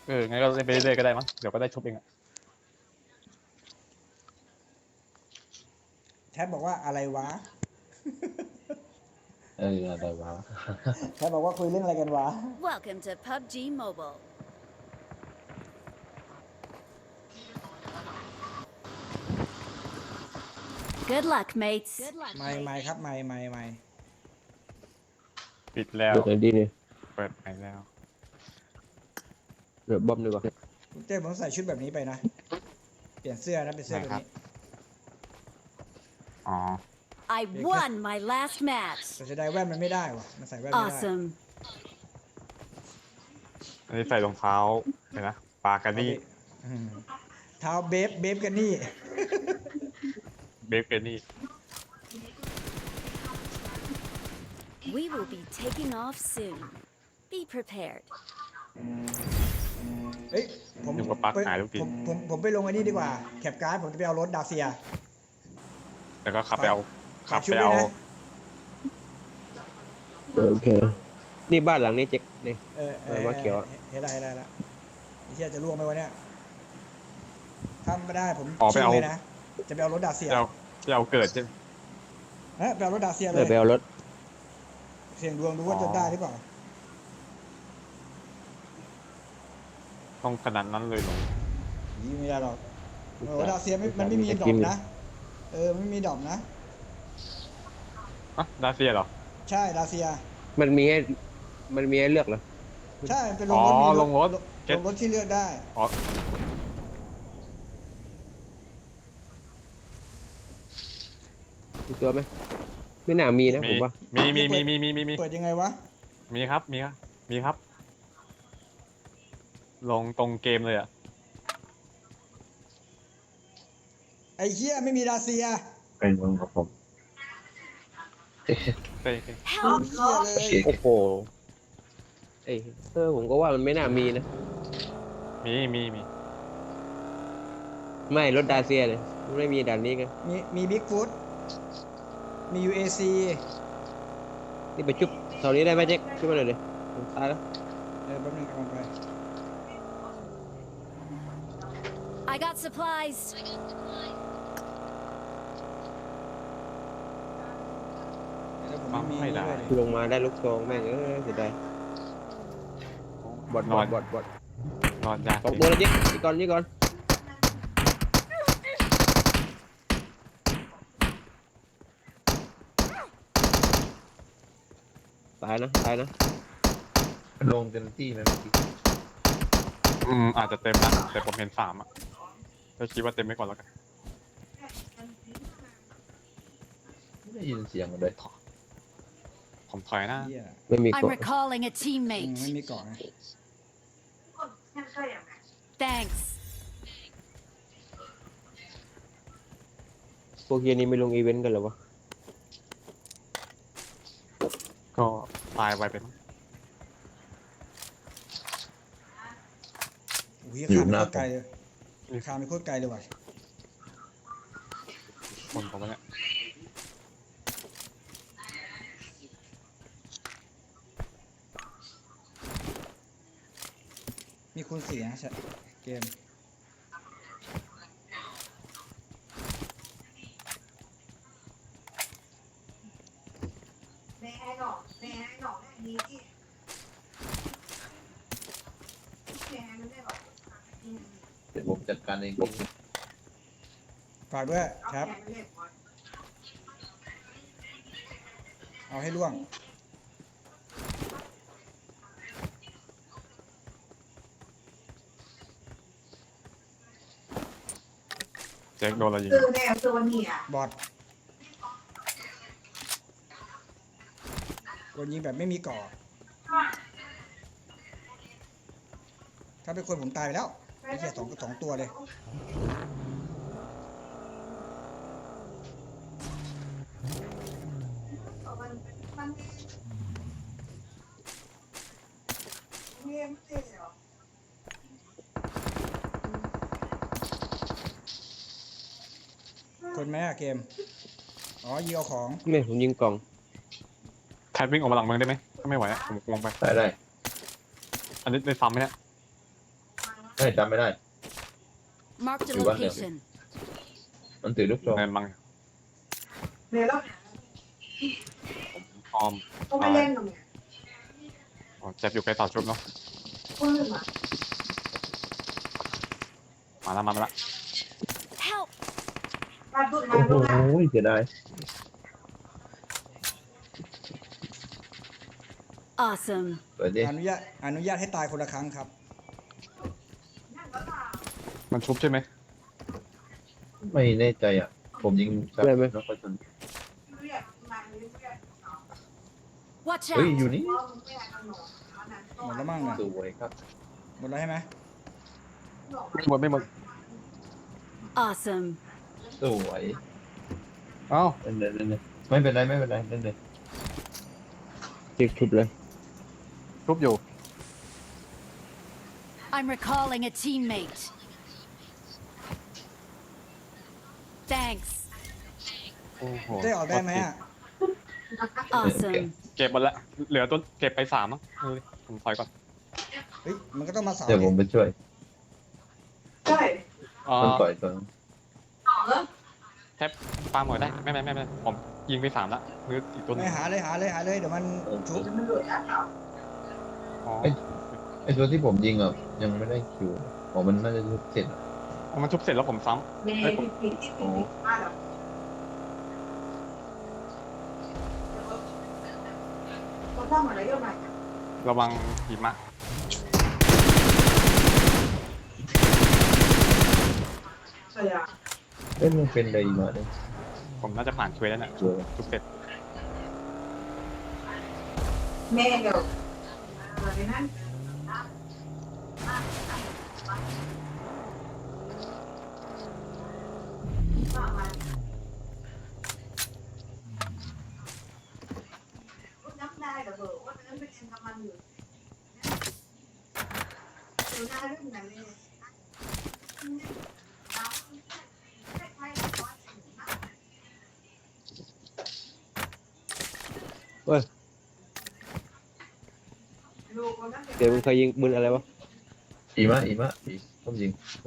งั้นก็เล่นไปเรื่อยๆก็ได้มั้งเดี๋ยวก็ได้ชุบเองอะแทบบอกว่าอะไรวะอะไรวะแทบบอกว่าคุยเรื่องอะไรกันวะ Welcome to PUBG Mobile. Good luck, mates. ไม่ครับไม่ปิดแล้วเปิดไหนดีเนี่ยเปิดไปแล้วเดี๋ยวบอมดีกว่าเจ๊ผมใส่ชุดแบบนี้ไปนะ เปลี่ยนเสื้อนะเป็นเสื้อตัวนี้อ๋อ I won my last match. แต่จะได้แว่นมันไม่ได้วะมันใส่แว่นไม่ได้ Awesome. อันนี้ใส่รองเท้าเห็นนะปากันนี่อืมเท้าเบฟกันนี่เบฟเกนนี่ We will be taking off soon. Be prepared. เฮ้ยผมอยู่กับปลั๊กหายทุกทีผมไปลงอันนี้ดีกว่าแคปการ์ดผมจะไปเอารถดาเซียแล้วก็ขับไปเอาฝากชุบไปด้วเอายนะโอเค นี่บ้านหลังนี้เจ๊กนี่ มาเขียวอะเห็นอะไรละไอ้เหี้ยจะล่วงไหมวะเนี่ยทำไม่ได้ผมอ๋อไปชิงเอาเลยนะจะไปเอารถดาเซียไปเอาเกิดใช่ไหมไปเอารถดาเซียเลเลยยไปเอารถเสี่ยงดวงดูว่าจะได้หรือเปล่าต้องขนาดนั้นเลยเหรอยิงไม่ได้หรอกรถดาเซียมันไม่มีดรอปนะไม่มีดรอปนะอ่ะดาเซียเหรอใช่ดาเซียมันมีให้เลือกเหรอใช่เป็นอ๋อลลงงรรถถลงรถที่เลือกได้อ๋อมีตัวไหมไม่น่ามีนะผมว่ามีเปิดยังไงวะมีครับมีครับ ลงตรงเกมเลยอ่ะไอ้เหี้ยไม่มีดาเซียเป็นวงกับผมเต้เต้ Help! เหี้ยเลยโอ้โหผมก็ว่ามันไม่น่ามีนะมีไม่รถดาเซียเลยมันไม่มีด่านนี้กันมีบิ๊กฟุตมี UAC นี่ไปชุบแถวนี้ได้ไหมเจ๊กชุบมาหน่อยดิผมตายแล้วแป๊บนึงกำลังไป I got supplies. แล้วผมไม่มีนี่ด้วยดิลงมาได้ลูกซองแม่งเสียดายบอดนอนยากสองตัวเลยเจ๊กนี่ก่อนตายนะลงเต็มที่นะเมื่อกี้อาจจะเต็มนะแต่ผมเห็น3อ่ะก็คิดว่าเต็มไม่ก่อนแล้วกันไม่ได้ยินเสียงเลยผมถอยนะเหี้ยไม่มี I'm เกาะ recalling a ไม่ teammate. มีเกาะไง Thanks. พวกเฮียนี่ไม่ลงอีเวนต์กันเหรอวะก็ตายไวไปมั้งโอ้ยข้ามไปโคตรไกลเลยข้ามไปโคตรไกลเลยว่ะคนผมเนี่ยมีคูณ4นะเกมเดี๋ยวผมจัดการเองฝากด้วยครับ เอาให้ล่วงเจ๊กโดนอะไรยิงคือแนวตัวเนี่ยบอดโดนยิงแบบไม่มีเกาะถ้าเป็นคนผมตายไปแล้วไอ้เหี้ยสองตัวเลยมันไม่ได้เหรอคนไหมอะเกม อ๋อยิงเอาของไม่ผมยิงกล่องแคทวิ่งออกมาหลังเมืองได้ไหมถ้าไม่ไหวอะผมลงไปได้อันนี้ได้ซ้ำไหมเนี่ยไม่จำไม่ได้ Marked a You want them? location. มันถือลูกซองเงินมังเนี่ยแล้วออมก็ไม่เล่นหรอกเนี่ยอ๋อเจ็บอยู่ใกล้เสาชุบเนาะคนอื่นอ่ะมาแล้ว Help! มาดูมาโอ้โหดูนะเสียดาย Awesome. เปิดดิอนุญาตให้ตายคนละครั้งครับมันชุบใช่ไหมไม่แน่ใจอ่ะ ผมยิงจับได้ไหมแล้วก็จนเรียกมาเรียก Watch เฮ้ย out! อยู่นี่ว่ามึงไม่อยากทำหนอมันนั้นหมดแล้วมั้งนะสวยครับหมดแล้วใช่ไหมไม่หมด Awesome. สวยเอ้าเล่นเลยเล่นเลยไม่เป็นไรเล่นเลยเจ็กชุบเลยชุบอยู่ I'm recalling a teammate. Thanks. โอ้โหได้ออกได้ไหมอ่ะ Awesome. เก็บหมดละเหลือตัวเก็บไป3มั้งผมถอยก่อนเฮ้ยมันก็ต้องมาเสาเดี๋ยวผมไปช่วยใช่มันต่อยตัวนึงต่อแล้วแทบปาหมดได้ไม่ผมยิงไป3ละมืออีกตัวหนึไม่งหาเลยเดี๋ยวมันชุบมันหลุดอ่ะครับอ๋อไอตัวที่ผมยิงอ่ะยังไม่ได้คิวอ๋อมันน่าจะเสร็จอะมันชุบเสร็จแล้วผมซ้เมย์ผิดที่ผิดมาแล้วก็ต้องอะไรก็มาำระวังหิมะใช่อ่ะเอ้ยมันเป็นอะไรมาเนี่ยผมน่าจะผ่านเควสแล้วเนี่ยตัวชุบเสร็จเมย์เดี๋ยวอะไรนั่นน้ำได้แต่เบอร์ว่านั้นเป็นทำมันอยู่ดูหน้าเรื่องไหนเลยเฮ้ยเดี๋ยวมึงเคยยิงปืนอะไรวะอีมะอีผมยิงโอ้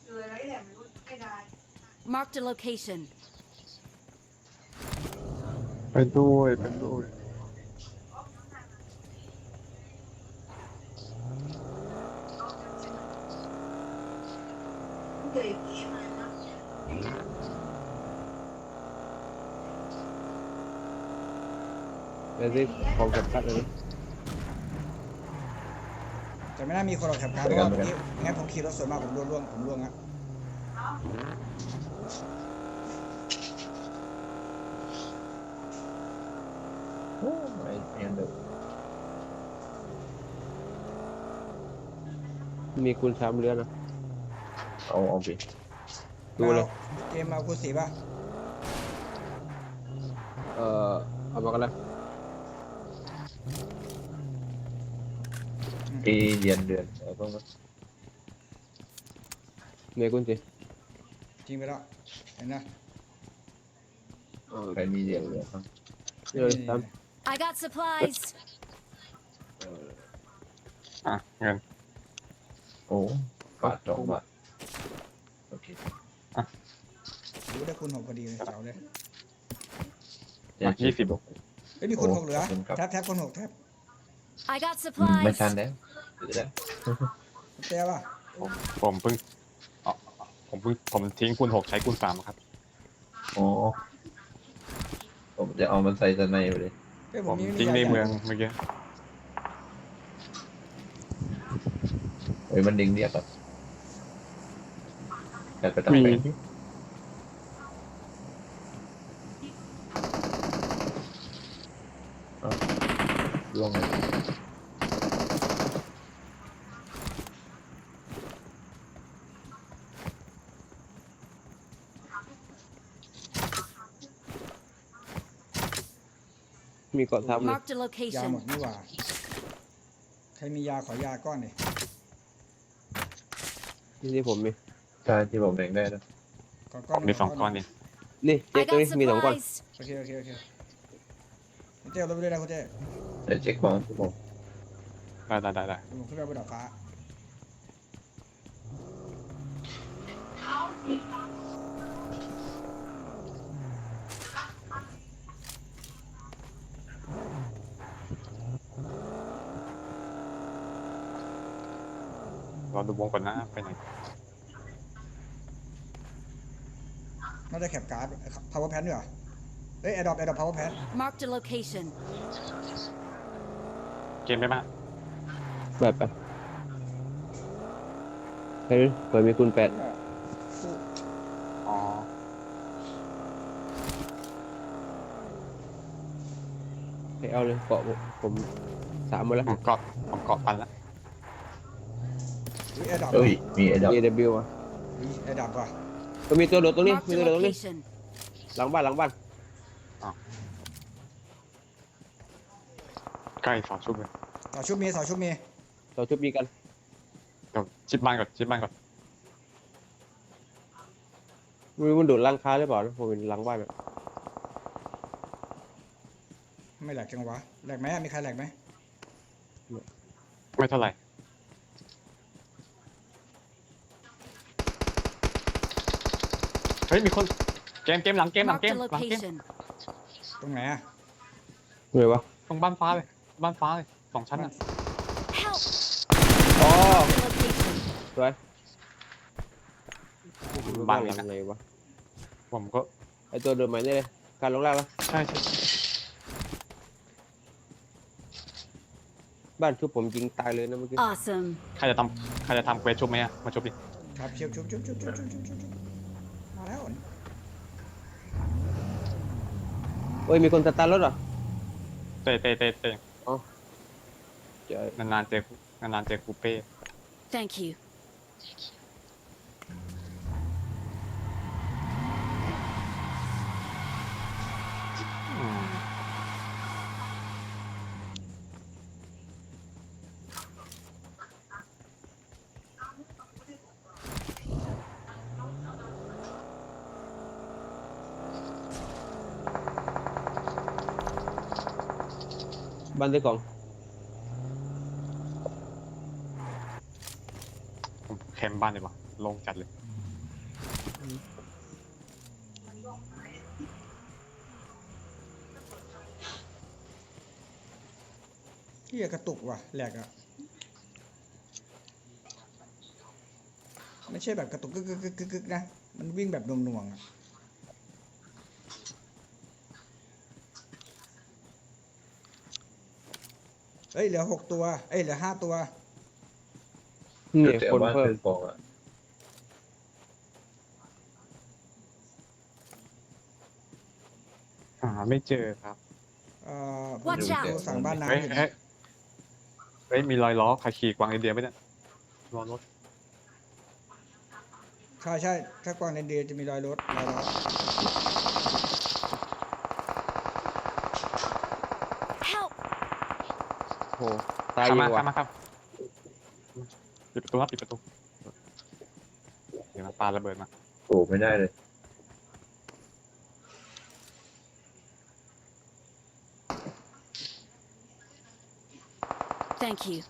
Marked a location. ไปด้วยเดี๋ยวสิของจับคัดเลยแต่ไม่น่ามีคนหรอกแถบกลางเพราะว่าเมื่อกี้งั้นผมขี่รถสวนมาผมล่วงอ่ะโอ้ไอแอนเดอร์มีคุณ3เรือนะเอาไปดูเลยเกมมาคูสีป่ะเอามากันเลยที่เรียนเดือนอะไรพวกนั้นเมย์คุณสิจริงไปแล้วเห็นนะใครมีเรียนเดือนบ้างเดี๋ยวตาม I got supplies. อ่ะเงินโอ้บาท2 บาทโอเครู้ได้คุณ6พอดีเลยเจ๋วเลย 20 เฮ้ยมีคน6เหลือขอบคุณครับแท็บคน6แท็บ I got ไม่ supplies. ทันแล้วถือแล้วเต้ป่ะผมเพิ่งอ๋อผมทิ้งคูณ6ใช้คูณ3ครับอ๋อผมจะเอามันใส่สไนไปเลยเฮ้ยผผม มมีทิ้งในเมืองเมื่อกี้เฮ้ยมันดึงเรียกอ่ะแต่ไปตั้งไปที่ล่วงเลยมีเกาะทับเลย Marked a ยาหม location. ดนี่หว่าใครมียาขอยาก้อนดินี่ผมมีใช่ที่ผมแบ่งได้นะขอผก้อนมมี2ก้อนนี่นี่เจ๊ I ตัว got นี้มี2ก้อน supplies. โอเคคุณเต้เอารถไปด้วยนะคุณเต้เดี๋ยวเช็คของที่ผมได้ผมขึ้นไปบนดาดฟ้าเราดูวงก่อนนะไปไหนน่าจะแคปการ์ด power pad ด้วยเหรอเอ้ย adopt power pad Marked a location. เกมได้ไหมแบบไปเฮ้ยเปิดมีคูณ8 อ๋อให้เอาเลยเกาะผม3หมดแล้วผมเกาะปันละอุ้ย adopt เอ้ยมีไอ้ดอก AW อ่ะอุ้ย adopt ว่ะก็มีตัวโดดตรงนี้ Marked มี a ตัวโดดตรงนี้ location. หลังบ้านหลังบ้านใกล้สองชุบเลยต่อชุบมีต่อชุบมีเราชุบยิงกันเดี๋ยวชิดบ้านก่อนชิดบ้านก่อนไม่รู้มันโดดหลังคาหรือเปล่านะผมเป็นหลังบ้านอะไม่แหลกจังวะแหลกไหมมีใครแหลกไหมไม่เท่าไหร่เฮ้ยมีคนเกมหลังเกม Marked a หลังเกม location. ตรงไหนอะเหนื่อยวะตรงบ้านฟ้าเลย2 ชั้นอ่ะ Help! อ๋อ Marked a location. สวยบ้านหนี้ลังนะไหนวะผมก็ไอตัวเดินใหม่นี่เลยการลงล่างแล้วใช่บ้านชุบผมยิงตายเลยนะเมื่อกี้ Awesome. ใครจะทำเควสชุบไหมอะมาชุบดิครับเชียวชุบมาแล้วเฮ้ยมีคนสตาร์ทรถเหรอเตะเจอนานๆเจอคูเป้ Thank you. อืมบ้านซื้อของผมแคมป์บ้านดีกว่าลงจัดเลยที่กระตุกว่ะแหลกอะไม่ใช่แบบกระตุกกึกนะ มันวิ่งแบบหน่วงๆอะเอ้ยเหลือ6 ตัวเอ้ยเหลือ5 ตัวนี่แต่คนบ้านเพิ่มเป็นฟองอ่ะหาไม่เจอครับผม Watch ดู out สั่งบ้านน้ำเฮ้ยอยู่เฮ้ยเฮ้ยมีรอยล้อใครขี่กวางไอเดียไหมเนี่ยล้อรถใช่ถ้ากวางเรนเดียร์จะมีรอยล้อ Help! โอ้ตายข้ามยิมางว่ะข้ามมาครับปิดประตูครับปิดประตูเดี๋ยวมันปาระเบิดมาโอ้ไม่ได้เลย Thank you.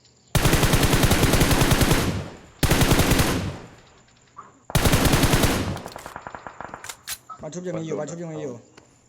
บ้านชุบยังมีอยู่บ้านชุบยังมีอยู่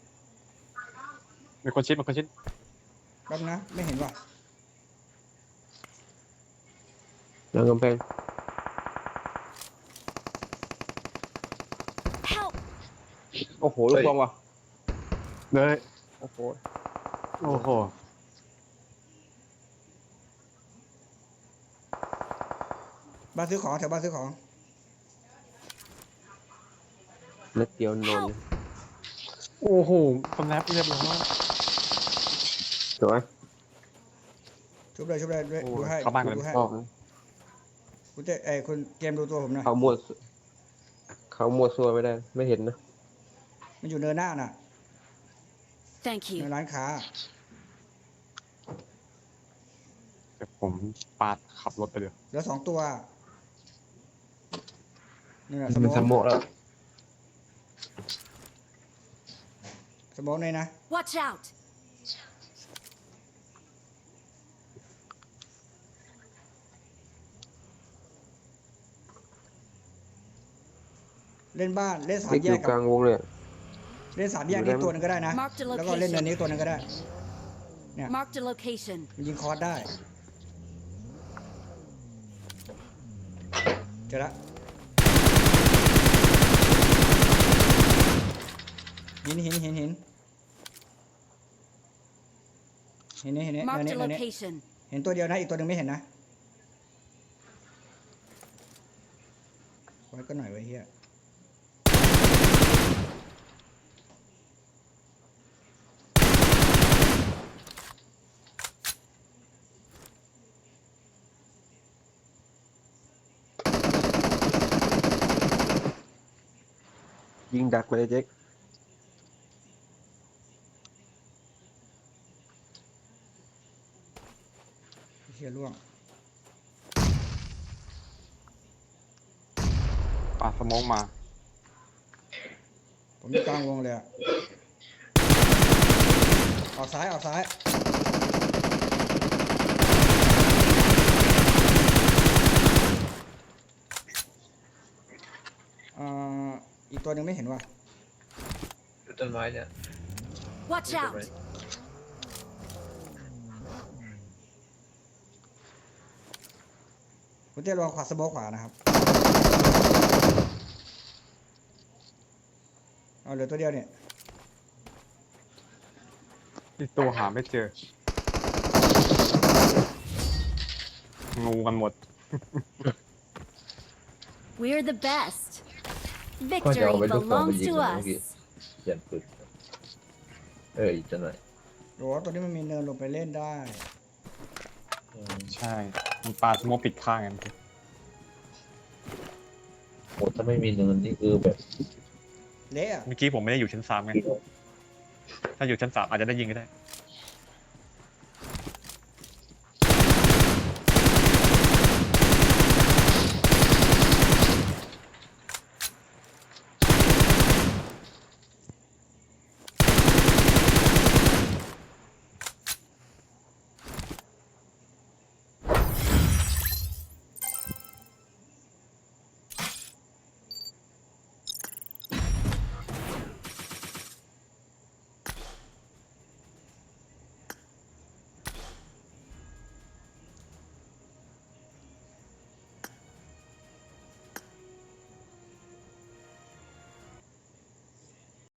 มีคนชิดแป๊บนะไม่เห็นว่ะหลังกำแพง Help! โอ้โหลูกบอลว่ะเลยโอ้โหโอ้โหบ้านซื้อของแถวบ้านซื้อของนัดเดียวนอนโอ้โหสแนปเรียบร้อยสวยชุบเลยด้วยโอ้ดูให้เข้าบ้านกันเลยดูให้ออกคุณเต้คุณเกมดูตัวผมหน่อยเขามัวซัวไม่ได้ไม่เห็นนะมันอยู่เนินหน้าน่ะ Thank ใน you. ร้านค้าเดี๋ยวผมปาดขับรถไปเดี๋ยวเหลือ2 ตัวนี่แหละสมันสมมององแล้วสมองเลยนะ Watch out! เล่นบ้านเล่นนี่ 3 แยอก ยู่กกัลาบงวงเลยเล่น3 แยกนี้ตัวหนึงก็ได้นะ Marked a แล้วก็เล่นเนิน location. นี้ตัวหนึงก็ได้ Marked a location. มันยิงคอร์สได้เจอละหินเห็นเนี่ยเนิน Marked a นี้ location. เห็นตัวเดียวนะอีกตัวหนึ่งไม่เห็นนะไว้ก็หน่อยไว้เฮียยิงดักไปเลยเจ๊กเฮียล่วงปาสโมกมาผมอยู่กลางวงเลยอะออกซ้ายอีกตัวหนึ่งไม่เห็นว่ะอยู่ต้นไม้เนี่ย Watch out! คุณเต้รอขวาสโมกขวานะครับเอาเหลือตัวเดียวเนี่ยอีกตัวหาไม่เจอ งูกันหมด We're the best. ก็จะเอา Victory ไปลูกสองไป belongs ยิง to นะเมื่อกี้ us. เขียนปืนอีกจะหน่อยโอ้ตัวนี้มันมีเนินลงไปเล่นได้ใช่ มันปาสโมกปิดข้างกันโอ้ถ้าไม่มีเนินนี่คือแบบเละอะเมื่อกี้ผมไม่ได้อยู่ชั้น 3ไง ถ้าอยู่ชั้น 3อาจจะได้ยิงก็ได้